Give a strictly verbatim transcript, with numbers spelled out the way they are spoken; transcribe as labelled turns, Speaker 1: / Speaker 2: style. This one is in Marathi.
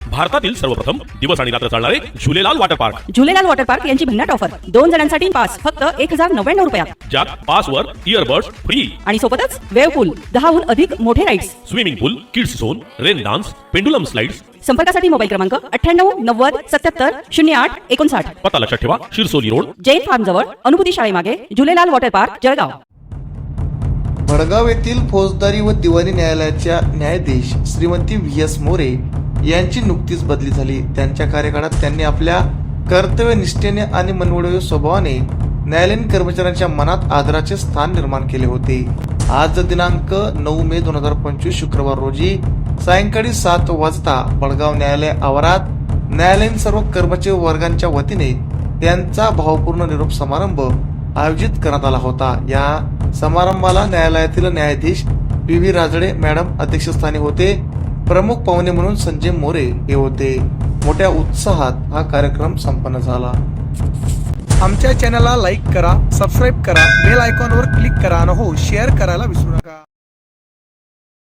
Speaker 1: भारतातील सर्वप्रथम दिवस आणि रात्र चालणारे Jhulelal water park.
Speaker 2: Jhulelal water park यांची भन्नाट ऑफर. दोन जणांसाठी पास फक्त एक हजार नव्याण्णव रुपयात.
Speaker 1: ज्यात पासवर इयरबड्स फ्री
Speaker 2: आणि सोबतच वेव्ह पूल, दहाहून अधिक मोठे rides,
Speaker 1: swimming pool, kids zone, rain dance, pendulum slides.
Speaker 2: संपर्कासाठी मोबाईल क्रमांक अठ्ठ्याण्णव नव्वद सत्याहत्तर शून्य आठ एकोणसाठ.
Speaker 1: पत्ता लक्षात ठेवा, शिरसोली रोड,
Speaker 2: जैन फार्म जवळ, अनुभूती शाळेमागे, झुलेलाल वॉटर पार्क, जळगाव.
Speaker 3: भडगाव येथील फौजदारी व दिवाणी न्यायालयाच्या न्यायाधीश श्रीमती व्ही एस मोरे यांची नुकतीच बदली झाली. त्यांच्या कार्यकाळात त्यांनी आपल्या कर्तव्यनिष्ठेने आणि मनवळीव स्वभावाने न्यायालयीन कर्मचाऱ्यांच्या मनात आदराचे स्थान निर्माण केले होते. आज दिनांक नऊ मे दोन हजार पंचवीस शुक्रवार रोजी सायंकाळी सात वाजता भडगाव न्यायालय आवारात न्यायालयीन सर्व कर्मचारी वर्गांच्या वतीने त्यांचा भावपूर्ण निरोप समारंभ आयोजित करण्यात आला होता. या समारंभाला न्यायालयातील न्यायाधीश पी व्ही राजडे मॅडम अध्यक्षस्थानी होते. प्रमुख पाहुणे म्हणून संजय मोरे हे होते. मोठ्या उत्साहात हा कार्यक्रम संपन्न झाला.
Speaker 4: आमच्या चॅनलला लाईक करा, सबस्क्राईब करा, बेल आयकॉनवर क्लिक करा आणि हो शेअर करायला विसरू नका.